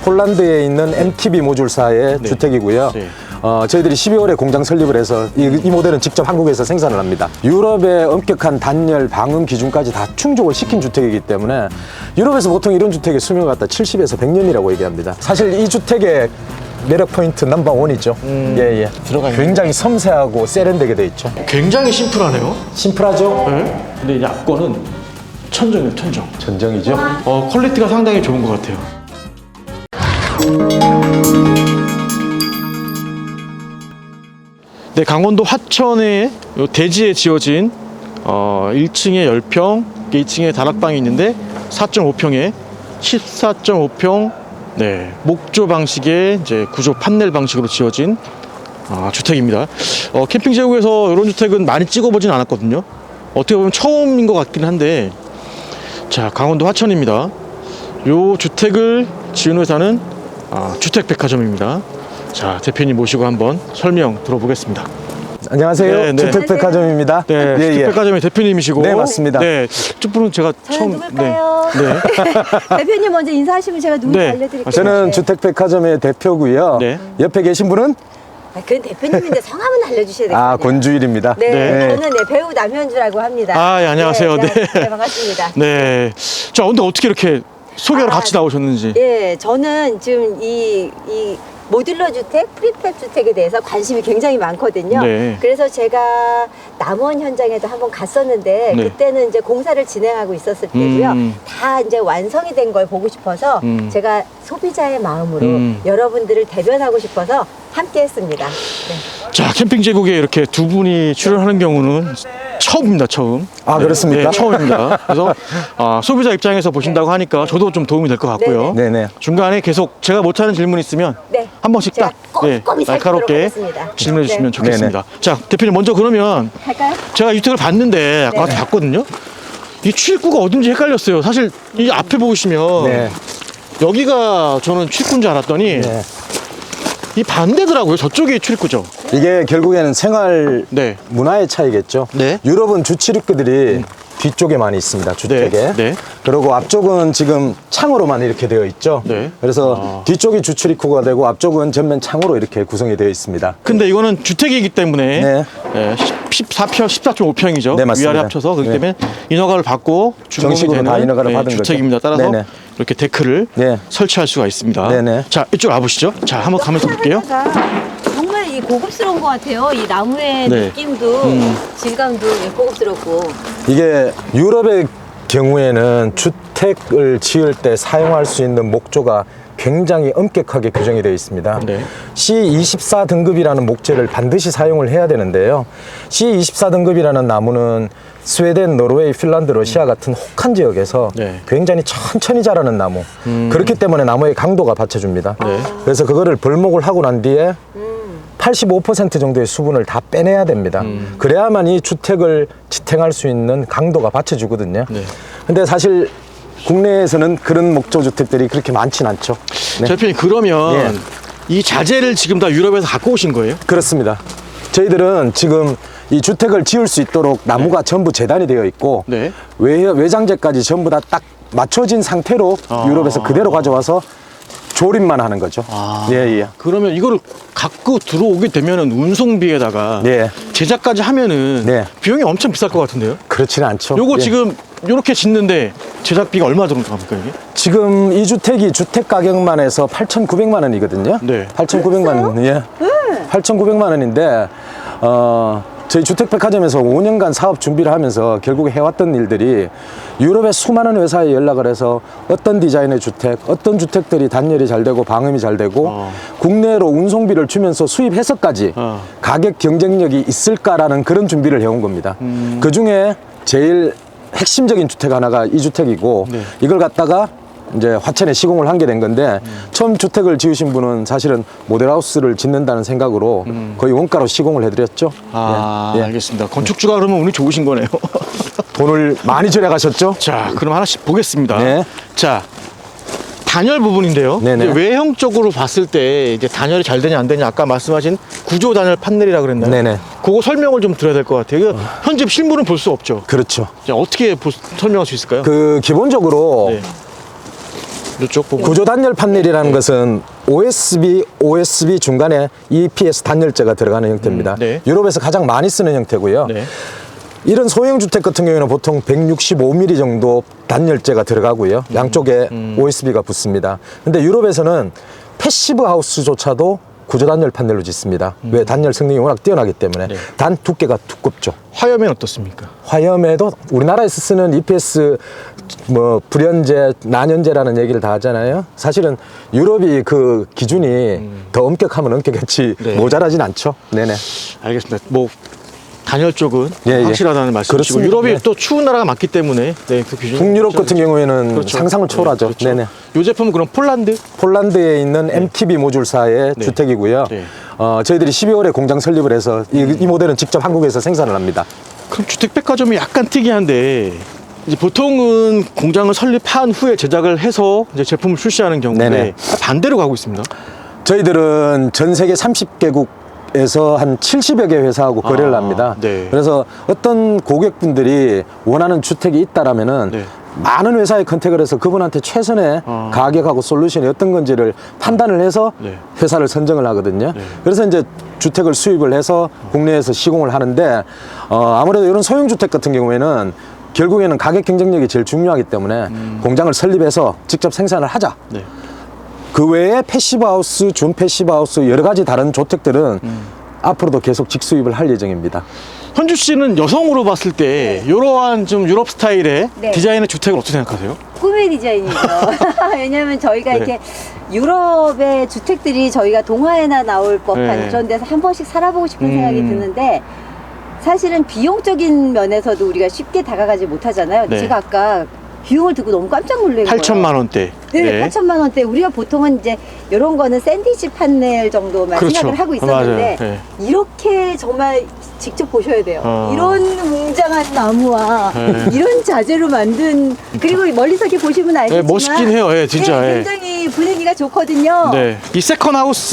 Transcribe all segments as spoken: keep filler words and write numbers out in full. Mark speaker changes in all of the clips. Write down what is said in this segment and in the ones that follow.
Speaker 1: 폴란드에 있는 엠티비 모듈사의
Speaker 2: 네.
Speaker 1: 주택이고요.
Speaker 2: 네.
Speaker 1: 어, 저희들이 십이월에 공장 설립을 해서 이, 이 모델은 직접 한국에서 생산을 합니다. 유럽의 엄격한 단열, 방음 기준까지 다 충족을 시킨 주택이기 때문에 유럽에서 보통 이런 주택의 수명을 갖다 칠십에서 백 년이라고 얘기합니다. 사실 이 주택의 매력 포인트 넘버 원이죠.
Speaker 2: 음,
Speaker 1: 예, 예.
Speaker 2: 들어가 있는
Speaker 1: 굉장히 섬세하고 세련되게 돼 있죠.
Speaker 2: 굉장히 심플하네요.
Speaker 1: 심플하죠?
Speaker 2: 네. 근데 이제 앞거는 천정이에요, 천정.
Speaker 1: 전정이죠.
Speaker 2: 어, 퀄리티가 상당히 좋은 것 같아요. 네, 강원도 화천의 요 대지에 지어진 어, 일 층에 십 평, 이 층에 다락방이 있는데 사 점 오 평에 십사 점 오 평 네, 목조 방식의 이제 구조 판넬 방식으로 지어진 아, 주택입니다. 어, 캠핑 제국에서 이런 주택은 많이 찍어보진 않았거든요. 어떻게 보면 처음인 것 같긴 한데, 자, 강원도 화천입니다. 요 주택을 지은 회사는 아, 주택백화점입니다. 자, 대표님 모시고 한번 설명 들어보겠습니다.
Speaker 1: 안녕하세요.
Speaker 2: 네, 네.
Speaker 1: 주택백화점입니다.
Speaker 2: 네,
Speaker 1: 예, 예.
Speaker 2: 주택백화점의 대표님이시고.
Speaker 1: 네, 맞습니다.
Speaker 2: 네, 첫 분은 제가
Speaker 3: 저는
Speaker 2: 처음.
Speaker 3: 누굴까요?
Speaker 2: 네. 네.
Speaker 3: 대표님 먼저 인사하시면 제가 누군지
Speaker 2: 네.
Speaker 3: 알려드릴게요.
Speaker 1: 저는
Speaker 3: 네.
Speaker 1: 주택백화점의 대표고요.
Speaker 2: 네.
Speaker 1: 옆에 계신 분은
Speaker 3: 아, 그건 대표님인데 성함은 알려주셔야 돼요.
Speaker 1: 아, 권주일입니다.
Speaker 3: 네,
Speaker 2: 네.
Speaker 3: 저는 네, 배우 남현주라고 합니다.
Speaker 2: 아, 예, 안녕하세요.
Speaker 3: 네,
Speaker 2: 네.
Speaker 3: 네, 반갑습니다.
Speaker 2: 네. 자, 근데 어떻게 이렇게 소개로
Speaker 3: 아,
Speaker 2: 같이 나오셨는지.
Speaker 3: 예, 저는 지금 이, 이 모듈러 주택, 프리팹 주택에 대해서 관심이 굉장히 많거든요.
Speaker 2: 네.
Speaker 3: 그래서 제가 남원 현장에도 한번 갔었는데
Speaker 2: 네.
Speaker 3: 그때는 이제 공사를 진행하고 있었을 때고요.
Speaker 2: 음.
Speaker 3: 다 이제 완성이 된 걸 보고 싶어서
Speaker 2: 음.
Speaker 3: 제가 소비자의 마음으로
Speaker 2: 음.
Speaker 3: 여러분들을 대변하고 싶어서 함께 했습니다. 네.
Speaker 2: 자, 캠핑 제국에 이렇게 두 분이 출연하는 경우는 처음입니다, 처음.
Speaker 1: 아, 그렇습니까?
Speaker 2: 네, 처음입니다. 그래서 아, 소비자 입장에서 보신다고 하니까 저도 좀 도움이 될 것 같고요.
Speaker 3: 네네.
Speaker 1: 네네.
Speaker 2: 중간에 계속 제가 못하는 질문 있으면
Speaker 3: 네.
Speaker 2: 한 번씩
Speaker 3: 제가
Speaker 2: 딱
Speaker 3: 꼼꼼히 살피도록
Speaker 2: 날카롭게
Speaker 3: 하겠습니다.
Speaker 2: 질문해 주시면
Speaker 3: 네.
Speaker 2: 좋겠습니다. 자, 대표님 먼저 그러면
Speaker 3: 할까요?
Speaker 2: 제가 이 주택을 봤는데 아까
Speaker 3: 네.
Speaker 2: 봤거든요. 이 출입구가 어딘지 헷갈렸어요. 사실 이 앞에 보시면
Speaker 1: 네.
Speaker 2: 여기가 저는 출입구인 줄 알았더니
Speaker 1: 네.
Speaker 2: 이 반대더라고요. 저쪽이 출입구죠.
Speaker 1: 이게 결국에는 생활
Speaker 2: 네.
Speaker 1: 문화의 차이겠죠.
Speaker 2: 네.
Speaker 1: 유럽은 주출입구들이 뒤쪽에 많이 있습니다. 주택에.
Speaker 2: 네, 네.
Speaker 1: 그리고 앞쪽은 지금 창으로만 이렇게 되어 있죠.
Speaker 2: 네.
Speaker 1: 그래서
Speaker 2: 아.
Speaker 1: 뒤쪽이 주출입구가 되고 앞쪽은 전면 창으로 이렇게 구성이 되어 있습니다.
Speaker 2: 근데 이거는 주택이기 때문에
Speaker 1: 네.
Speaker 2: 예, 십사 평, 십사 점 오 평이죠.
Speaker 1: 네, 맞습니다.
Speaker 2: 위아래 합쳐서 그렇기
Speaker 1: 네.
Speaker 2: 때문에 인허가를 받고 준공이
Speaker 1: 정식으로
Speaker 2: 되는
Speaker 1: 다 인허가를
Speaker 2: 예,
Speaker 1: 받은 거죠.
Speaker 2: 주택입니다. 따라서
Speaker 1: 네네.
Speaker 2: 이렇게 데크를
Speaker 1: 네.
Speaker 2: 설치할 수가 있습니다.
Speaker 1: 네네.
Speaker 2: 자, 이쪽 와보시죠. 자, 한번 가면서 볼게요.
Speaker 3: 정말 이 고급스러운 것 같아요. 이 나무의
Speaker 2: 네.
Speaker 3: 느낌도
Speaker 2: 음.
Speaker 3: 질감도 고급스럽고.
Speaker 1: 이게 유럽의 경우에는 주택을 지을 때 사용할 수 있는 목조가 굉장히 엄격하게 규정이 되어 있습니다.
Speaker 2: 네.
Speaker 1: 씨 이십사 등급이라는 목재를 반드시 사용을 해야 되는데요. 씨 이십사 등급이라는 나무는 스웨덴, 노르웨이, 핀란드, 러시아 같은 혹한 지역에서
Speaker 2: 네.
Speaker 1: 굉장히 천천히 자라는 나무.
Speaker 2: 음.
Speaker 1: 그렇기 때문에 나무의 강도가 받쳐줍니다.
Speaker 2: 네.
Speaker 1: 그래서 그거를 벌목을 하고 난 뒤에 팔십오 퍼센트 정도의 수분을 다 빼내야 됩니다.
Speaker 2: 음.
Speaker 1: 그래야만 이 주택을 지탱할 수 있는 강도가 받쳐주거든요.
Speaker 2: 네.
Speaker 1: 근데 사실 국내에서는 그런 목조 주택들이 그렇게 많진 않죠. 네.
Speaker 2: 자, 대표님 그러면
Speaker 1: 예.
Speaker 2: 이 자재를 지금 다 유럽에서 갖고 오신 거예요?
Speaker 1: 그렇습니다. 저희들은 지금 이 주택을 지을 수 있도록 나무가 전부 재단이 되어 있고
Speaker 2: 네.
Speaker 1: 외, 외장재까지 전부 다 딱 맞춰진 상태로
Speaker 2: 아.
Speaker 1: 유럽에서 그대로 가져와서 조립만 하는 거죠.
Speaker 2: 아.
Speaker 1: 예, 예.
Speaker 2: 그러면 이거를 갖고 들어오게 되면은 운송비에다가
Speaker 1: 예.
Speaker 2: 제작까지 하면은
Speaker 1: 네.
Speaker 2: 비용이 엄청 비쌀 것 같은데요?
Speaker 1: 그렇지는 않죠.
Speaker 2: 요거
Speaker 1: 예.
Speaker 2: 지금 요렇게 짓는데 제작비가 얼마 들어갑니까 이게?
Speaker 1: 지금 이 주택이 주택 가격만 해서 팔천구백만 원이거든요.
Speaker 2: 네.
Speaker 1: 팔천구백만 원. 예. 팔천구백만 원인데 어 저희 주택백화점에서 오 년간 사업 준비를 하면서 결국에 해왔던 일들이 유럽의 수많은 회사에 연락을 해서 어떤 디자인의 주택, 어떤 주택들이 단열이 잘 되고 방음이 잘 되고
Speaker 2: 어.
Speaker 1: 국내로 운송비를 주면서 수입해서까지
Speaker 2: 어.
Speaker 1: 가격 경쟁력이 있을까라는 그런 준비를 해온 겁니다.
Speaker 2: 음.
Speaker 1: 그 중에 제일 핵심적인 주택 하나가 이 주택이고
Speaker 2: 네.
Speaker 1: 이걸 갖다가 이제 화천에 시공을 한 게 된 건데 음. 처음 주택을 지으신 분은 사실은 모델하우스를 짓는다는 생각으로
Speaker 2: 음.
Speaker 1: 거의 원가로 시공을 해드렸죠.
Speaker 2: 아,
Speaker 1: 예, 예.
Speaker 2: 알겠습니다. 건축주가 그러면 운이 좋으신 거네요.
Speaker 1: 돈을 많이 절약하셨죠?
Speaker 2: 자, 그럼 하나씩 보겠습니다.
Speaker 1: 네.
Speaker 2: 자, 단열 부분인데요.
Speaker 1: 네네.
Speaker 2: 이제 외형적으로 봤을 때 이제 단열이 잘 되냐 안 되냐 아까 말씀하신 구조 단열 판넬이라 그랬나요?
Speaker 1: 네네.
Speaker 2: 그거 설명을 좀 드려야 될 것 같아요. 어. 현재 실물은 볼 수 없죠.
Speaker 1: 그렇죠.
Speaker 2: 자, 어떻게 보, 설명할 수 있을까요?
Speaker 1: 그 기본적으로
Speaker 2: 네. 이쪽 보고.
Speaker 1: 구조 단열 판넬이라는 것은 오에스비, 오에스비 중간에 이피에스 단열재가 들어가는 형태입니다.
Speaker 2: 음, 네.
Speaker 1: 유럽에서 가장 많이 쓰는 형태고요.
Speaker 2: 네.
Speaker 1: 이런 소형 주택 같은 경우에는 보통 백육십오 밀리미터 정도 단열재가 들어가고요. 양쪽에
Speaker 2: 음.
Speaker 1: 오에스비가 붙습니다. 근데 유럽에서는 패시브 하우스조차도 구조 단열 판넬로 짓습니다. 왜? 단열 성능이 워낙 뛰어나기 때문에.
Speaker 2: 네.
Speaker 1: 단 두께가 두껍죠.
Speaker 2: 화염엔 어떻습니까?
Speaker 1: 화염에도 우리나라에서 쓰는 이피에스 뭐 불연제, 난연제라는 얘기를 다 하잖아요. 사실은 유럽이 그 기준이 더 엄격하면 엄격했지
Speaker 2: 네.
Speaker 1: 모자라진 않죠. 네네.
Speaker 2: 알겠습니다. 뭐 단열 쪽은
Speaker 1: 예, 예.
Speaker 2: 확실하다는 말씀이시고
Speaker 1: 그렇습니다.
Speaker 2: 유럽이
Speaker 1: 네.
Speaker 2: 또 추운 나라가 많기 때문에 네, 그 기준.
Speaker 1: 북유럽 같은 경우에는
Speaker 2: 그렇죠.
Speaker 1: 상상을 초월하죠.
Speaker 2: 네, 그렇죠.
Speaker 1: 네네.
Speaker 2: 이 제품은 그럼 폴란드?
Speaker 1: 폴란드에 있는 엠티비 모듈사의
Speaker 2: 네.
Speaker 1: 주택이고요.
Speaker 2: 네.
Speaker 1: 어, 저희들이 십이월에 공장 설립을 해서 이, 이 모델은 직접 한국에서 생산을 합니다.
Speaker 2: 그럼 주택백화점이 약간 특이한데 이제 보통은 공장을 설립한 후에 제작을 해서 이제 제품을 출시하는 경우인데
Speaker 1: 네네.
Speaker 2: 반대로 가고 있습니다.
Speaker 1: 저희들은 전 세계 삼십 개국에서 한 칠십여 개 회사하고 거래를
Speaker 2: 아,
Speaker 1: 합니다.
Speaker 2: 네.
Speaker 1: 그래서 어떤 고객분들이 원하는 주택이 있다라면은
Speaker 2: 네.
Speaker 1: 많은 회사에 컨택을 해서 그분한테 최선의
Speaker 2: 아.
Speaker 1: 가격하고 솔루션이 어떤 건지를 판단을 해서
Speaker 2: 네.
Speaker 1: 회사를 선정을 하거든요.
Speaker 2: 네.
Speaker 1: 그래서 이제 주택을 수입을 해서 국내에서 시공을 하는데 어, 아무래도 이런 소형 주택 같은 경우에는 결국에는 가격 경쟁력이 제일 중요하기 때문에
Speaker 2: 음.
Speaker 1: 공장을 설립해서 직접 생산을 하자.
Speaker 2: 네.
Speaker 1: 그 외에 패시브 하우스, 준 패시브 하우스 여러 가지 다른 주택들은
Speaker 2: 음.
Speaker 1: 앞으로도 계속 직수입을 할 예정입니다.
Speaker 2: 현주 씨는 여성으로 봤을 때 이러한 좀 유럽 스타일의
Speaker 3: 네.
Speaker 2: 디자인의 주택을 어떻게 생각하세요?
Speaker 3: 꿈의 디자인이죠. 왜냐하면 저희가
Speaker 2: 네.
Speaker 3: 이렇게 유럽의 주택들이 저희가 동화에나 나올 법한
Speaker 2: 네.
Speaker 3: 그런 데서 한 번씩 살아보고 싶은
Speaker 2: 음.
Speaker 3: 생각이 드는데 사실은 비용적인 면에서도 우리가 쉽게 다가가지 못하잖아요.
Speaker 2: 네.
Speaker 3: 제가 아까 비용을 듣고 너무 깜짝 놀란 거예요.
Speaker 2: 팔천만 원대.
Speaker 3: 네, 팔천만 원대. 우리가 보통은 이제 이런 거는 샌드위치 판넬 정도만
Speaker 2: 그렇죠.
Speaker 3: 생각을 하고 있었는데
Speaker 2: 맞아요. 네.
Speaker 3: 이렇게 정말 직접 보셔야 돼요.
Speaker 2: 어.
Speaker 3: 이런 웅장한 나무와
Speaker 2: 네.
Speaker 3: 이런 자재로 만든 그리고 멀리서 이렇게 보시면 알겠지만
Speaker 2: 네, 멋있긴 해요. 예, 진짜.
Speaker 3: 네,
Speaker 2: 예.
Speaker 3: 굉장히 분위기가 좋거든요.
Speaker 2: 네. 이 세컨 하우스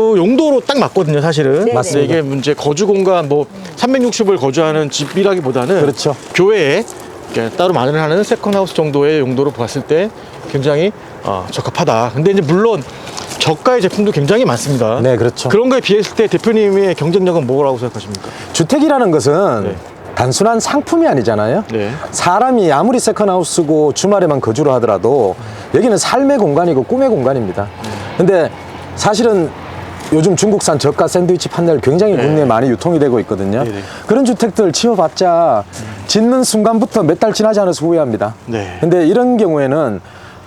Speaker 2: 용도로 딱 맞거든요, 사실은.
Speaker 3: 네네.
Speaker 1: 맞습니다.
Speaker 2: 이게 문제 거주 공간 뭐 삼백육십을 거주하는 집이라기보다는
Speaker 1: 그렇죠.
Speaker 2: 교외에 이렇게 따로 마련하는 세컨 하우스 정도의 용도로 봤을 때 굉장히 어, 적합하다. 근데 이제 물론 저가의 제품도 굉장히 많습니다.
Speaker 1: 네, 그렇죠.
Speaker 2: 그런 거에 비했을 때 대표님의 경쟁력은 뭐라고 생각하십니까?
Speaker 1: 주택이라는 것은
Speaker 2: 네.
Speaker 1: 단순한 상품이 아니잖아요.
Speaker 2: 네.
Speaker 1: 사람이 아무리 세컨하우스고 주말에만 거주를 하더라도 여기는 삶의 공간이고 꿈의 공간입니다. 근데 사실은 요즘 중국산 저가 샌드위치 판넬 굉장히
Speaker 2: 네.
Speaker 1: 국내에 많이 유통이 되고 있거든요.
Speaker 2: 네네.
Speaker 1: 그런 주택들 지어봤자 짓는 순간부터 몇 달 지나지 않아서 후회합니다.
Speaker 2: 네.
Speaker 1: 근데 이런 경우에는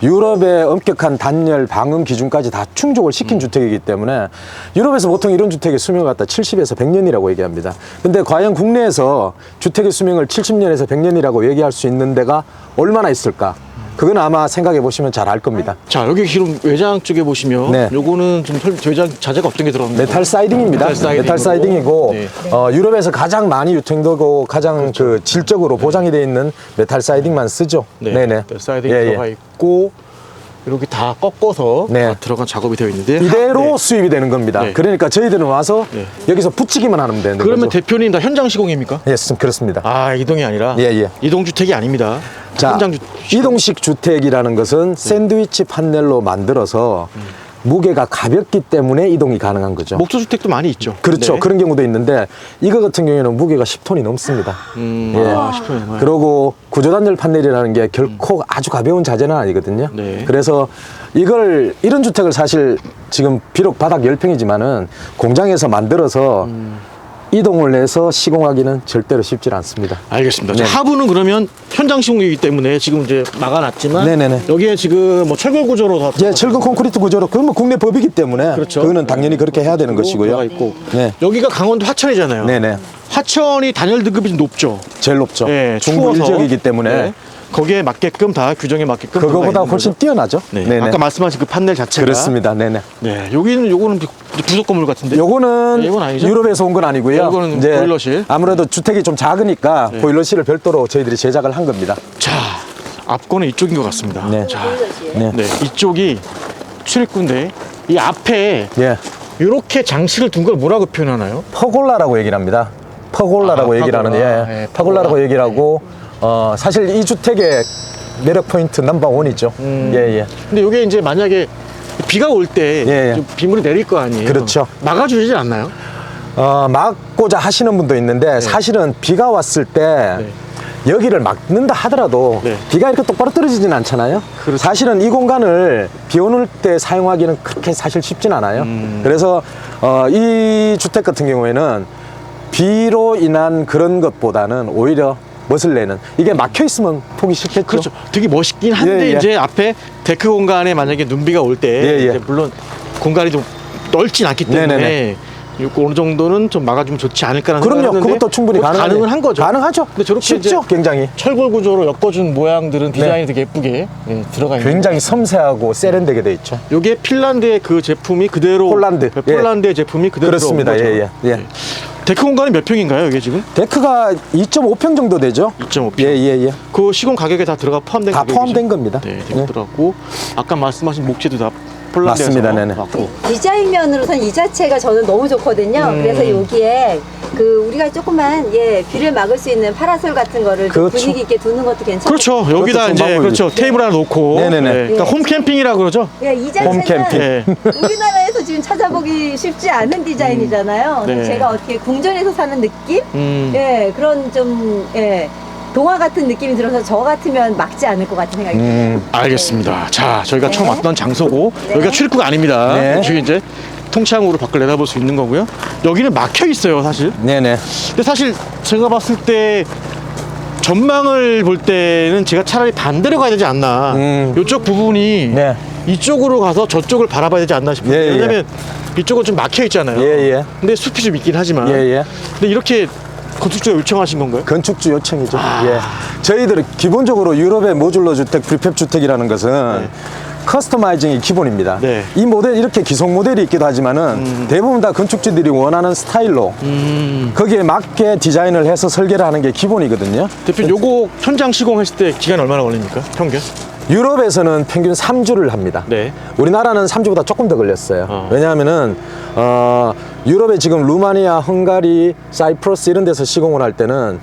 Speaker 1: 유럽의 엄격한 단열 방음 기준까지 다 충족을 시킨 주택이기 때문에 유럽에서 보통 이런 주택의 수명을 갖다 칠십에서 백 년이라고 얘기합니다. 근데 과연 국내에서 주택의 수명을 칠십 년에서 백 년이라고 얘기할 수 있는 데가 얼마나 있을까? 그건 아마 생각해 보시면 잘 알 겁니다.
Speaker 2: 자, 여기 지금 외장 쪽에 보시면
Speaker 1: 네.
Speaker 2: 요거는 좀 설- 외장 자재가 어떤 게 들어갑니까?
Speaker 1: 메탈 사이딩입니다.
Speaker 2: 메탈 사이딩으로.
Speaker 1: 메탈 사이딩이고
Speaker 2: 네.
Speaker 1: 어, 유럽에서 가장 많이 유통되고 가장 그 질적으로 보장이 되어 있는 메탈 사이딩만 쓰죠.
Speaker 2: 네.
Speaker 1: 네네.
Speaker 2: 메탈 사이딩이
Speaker 1: 예, 예.
Speaker 2: 들어가 있고 이렇게 다 꺾어서
Speaker 1: 네.
Speaker 2: 다 들어간 작업이 되어 있는데
Speaker 1: 이대로
Speaker 2: 네.
Speaker 1: 수입이 되는 겁니다.
Speaker 2: 네.
Speaker 1: 그러니까 저희들은 와서
Speaker 2: 네.
Speaker 1: 여기서 붙이기만 하면 되는
Speaker 2: 그러면
Speaker 1: 거죠.
Speaker 2: 대표님 다 현장 시공입니까?
Speaker 1: 예, 그렇습니다.
Speaker 2: 아, 이동이 아니라
Speaker 1: 예, 예.
Speaker 2: 이동 주택이 아닙니다.
Speaker 1: 자,
Speaker 2: 현장 주
Speaker 1: 이동식 주택이라는 것은 샌드위치 판넬로 만들어서 무게가 가볍기 때문에 이동이 가능한 거죠.
Speaker 2: 목조 주택도 많이 있죠.
Speaker 1: 그렇죠.
Speaker 2: 네.
Speaker 1: 그런 경우도 있는데 이거 같은 경우에는 무게가 십 톤이 넘습니다.
Speaker 2: 음,
Speaker 1: 예.
Speaker 2: 아, 싶어요. 네.
Speaker 1: 그리고 구조단열 판넬이라는 게 결코 아주 가벼운 자재는 아니거든요.
Speaker 2: 네.
Speaker 1: 그래서 이걸 이런 주택을 사실 지금 비록 바닥 열 평이지만은 공장에서 만들어서 이동을 해서 시공하기는 절대로 쉽지 않습니다.
Speaker 2: 알겠습니다. 자,
Speaker 1: 네.
Speaker 2: 하부는 그러면 현장 시공이기 때문에 지금 이제 막아놨지만
Speaker 1: 네네네.
Speaker 2: 여기에 지금 뭐 철골 구조로 다
Speaker 1: 예, 철근 콘크리트 구조로 그건 뭐 국내 법이기 때문에
Speaker 2: 그렇죠.
Speaker 1: 그거는 당연히 그렇게 해야 되는 것이고요.
Speaker 2: 들어가 있고
Speaker 1: 네.
Speaker 2: 여기가 강원도 하천이잖아요.
Speaker 1: 네네.
Speaker 2: 하천이 단열 등급이 좀 높죠.
Speaker 1: 제일 높죠.
Speaker 2: 예,
Speaker 1: 중부
Speaker 2: 추워서.
Speaker 1: 일적이기 때문에
Speaker 2: 네. 거기에 맞게끔 다 규정에 맞게끔
Speaker 1: 그거보다
Speaker 2: 들어가 있는
Speaker 1: 훨씬
Speaker 2: 거죠.
Speaker 1: 뛰어나죠.
Speaker 2: 네.
Speaker 1: 네네.
Speaker 2: 아까 말씀하신 그 판넬 자체가
Speaker 1: 그렇습니다. 네네.
Speaker 2: 네, 여기는 요거는 부속 건물 같은데.
Speaker 1: 요거는
Speaker 2: 네, 이건 아니죠?
Speaker 1: 유럽에서 온 건 아니고요.
Speaker 2: 네, 이거는 보일러실.
Speaker 1: 아무래도 주택이 좀 작으니까
Speaker 2: 네.
Speaker 1: 보일러실을 별도로 저희들이 제작을 한 겁니다.
Speaker 2: 자, 앞거는 이쪽인 것 같습니다.
Speaker 1: 네.
Speaker 2: 자,
Speaker 1: 네.
Speaker 2: 네, 이쪽이 출입구인데 이 앞에
Speaker 1: 예.
Speaker 2: 이렇게 장식을 둔 걸 뭐라고 표현하나요?
Speaker 1: 퍼골라라고 얘기를 합니다. 퍼골라라고
Speaker 2: 아,
Speaker 1: 얘기를
Speaker 2: 퍼골라.
Speaker 1: 하는데, 예.
Speaker 2: 네,
Speaker 1: 퍼골라라고
Speaker 2: 퍼골라.
Speaker 1: 얘기를 하고, 어, 사실 이 주택의 매력 포인트 넘버 원이죠.
Speaker 2: 음.
Speaker 1: 예, 예.
Speaker 2: 근데 이게 이제 만약에 비가 올 때
Speaker 1: 예, 예.
Speaker 2: 비물이 내릴 거 아니에요.
Speaker 1: 그렇죠.
Speaker 2: 막아주지 않나요?
Speaker 1: 어, 막고자 하시는 분도 있는데 사실은 비가 왔을 때
Speaker 2: 네.
Speaker 1: 여기를 막는다 하더라도
Speaker 2: 네.
Speaker 1: 비가 이렇게 똑바로 떨어지진 않잖아요.
Speaker 2: 그렇죠.
Speaker 1: 사실은 이 공간을 비 오는 때 사용하기는 그렇게 사실 쉽진 않아요.
Speaker 2: 음.
Speaker 1: 그래서 어, 이 주택 같은 경우에는 비로 인한 그런 것보다는 오히려 멋을 내는, 이게 막혀 있으면 보기 싫겠죠.
Speaker 2: 그렇죠. 되게 멋있긴 한데
Speaker 1: 예, 예.
Speaker 2: 이제 앞에 데크 공간에 만약에 눈비가 올 때
Speaker 1: 예, 예.
Speaker 2: 이제 물론 공간이 좀 넓진 않기 때문에
Speaker 1: 네네네.
Speaker 2: 이거 어느 정도는 좀 막아주면 좋지 않을까라는
Speaker 1: 그럼요.
Speaker 2: 생각을 했는데
Speaker 1: 그것도 충분히
Speaker 2: 그것도
Speaker 1: 가능하네.
Speaker 2: 가능은 한 거죠.
Speaker 1: 가능하죠.
Speaker 2: 근데 저렇게
Speaker 1: 쉽죠,
Speaker 2: 이제
Speaker 1: 굉장히.
Speaker 2: 철골 구조로 엮어준 모양들은 디자인이
Speaker 1: 네.
Speaker 2: 되게 예쁘게 예, 들어가 있는.
Speaker 1: 굉장히 섬세하고 세련되게 돼 있죠.
Speaker 2: 요게 핀란드의 그 제품이 그대로
Speaker 1: 폴란드.
Speaker 2: 네, 폴란드의 제품이 그대로
Speaker 1: 그렇습니다.
Speaker 2: 들어온 거죠.
Speaker 1: 예, 예, 예.
Speaker 2: 네. 데크 공간이 몇 평인가요, 이게 지금?
Speaker 1: 데크가 이 점 오 평 정도 되죠.
Speaker 2: 이 점 오 평.
Speaker 1: 예, 예, 예.
Speaker 2: 그 시공 가격에 다 들어가 포함된
Speaker 1: 다
Speaker 2: 가격이죠?
Speaker 1: 포함된 겁니다.
Speaker 2: 네,
Speaker 1: 예.
Speaker 2: 되게 들어갔고 아까 말씀하신 목재도 다 폴란드에서
Speaker 1: 맞습니다. 네네.
Speaker 2: 왔고.
Speaker 3: 디자인 면으로선 이 자체가 저는 너무 좋거든요.
Speaker 2: 음.
Speaker 3: 그래서 여기에 그 우리가 조금만 예 비를 막을 수 있는 파라솔 같은 거를 좀
Speaker 1: 그렇죠.
Speaker 3: 분위기 있게 두는 것도 괜찮고.
Speaker 2: 그렇죠. 여기다
Speaker 1: 그것도 좀
Speaker 2: 이제
Speaker 1: 방법이죠.
Speaker 2: 그렇죠. 테이블 하나 놓고.
Speaker 1: 네네네.
Speaker 2: 네, 그러니까 홈 캠핑이라 그러죠.
Speaker 3: 예, 이 자체는
Speaker 1: 홈캠핑.
Speaker 2: 네.
Speaker 3: 우리나라에서 지금 찾아보기 쉽지 않은 디자인이잖아요.
Speaker 2: 네.
Speaker 3: 제가 어떻게 궁전에서 사는 느낌?
Speaker 2: 음.
Speaker 3: 예, 그런 좀 예. 동화 같은 느낌이 들어서 저 같으면 막지 않을 것 같은 생각이 듭니다.
Speaker 1: 음,
Speaker 2: 알겠습니다. 자, 저희가
Speaker 3: 네.
Speaker 2: 처음 왔던 장소고
Speaker 3: 네.
Speaker 2: 여기가 출입구가 아닙니다.
Speaker 1: 네.
Speaker 2: 여기 이제 통창으로 밖을 내다볼 수 있는 거고요. 여기는 막혀 있어요, 사실.
Speaker 1: 네네.
Speaker 2: 근데 사실 제가 봤을 때 전망을 볼 때는 제가 차라리 반대로 가야 되지 않나.
Speaker 1: 음.
Speaker 2: 이쪽 부분이
Speaker 1: 네.
Speaker 2: 이쪽으로 가서 저쪽을 바라봐야 되지 않나 싶어요.
Speaker 1: 예, 예.
Speaker 2: 왜냐면 이쪽은 좀 막혀 있잖아요.
Speaker 1: 예, 예.
Speaker 2: 근데 숲이 좀 있긴 하지만.
Speaker 1: 예, 예.
Speaker 2: 근데 이렇게 건축주가 요청하신 건가요?
Speaker 1: 건축주 요청이죠.
Speaker 2: 아.
Speaker 1: 예. 저희들은 기본적으로 유럽의 모듈러 주택, 프리팹 주택이라는 것은
Speaker 2: 네.
Speaker 1: 커스터마이징이 기본입니다.
Speaker 2: 네.
Speaker 1: 이 모델, 이렇게 기성 모델이 있기도 하지만은 대부분 다 건축주들이 원하는 스타일로
Speaker 2: 음.
Speaker 1: 거기에 맞게 디자인을 해서 설계를 하는 게 기본이거든요.
Speaker 2: 대표님, 요거 현장 시공했을 때 기간 얼마나 걸립니까? 평균?
Speaker 1: 유럽에서는 평균 삼 주를 합니다.
Speaker 2: 네.
Speaker 1: 우리나라는 삼 주보다 조금 더 걸렸어요.
Speaker 2: 어.
Speaker 1: 왜냐하면은 어, 유럽에 지금 루마니아, 헝가리, 사이프러스 이런 데서 시공을 할 때는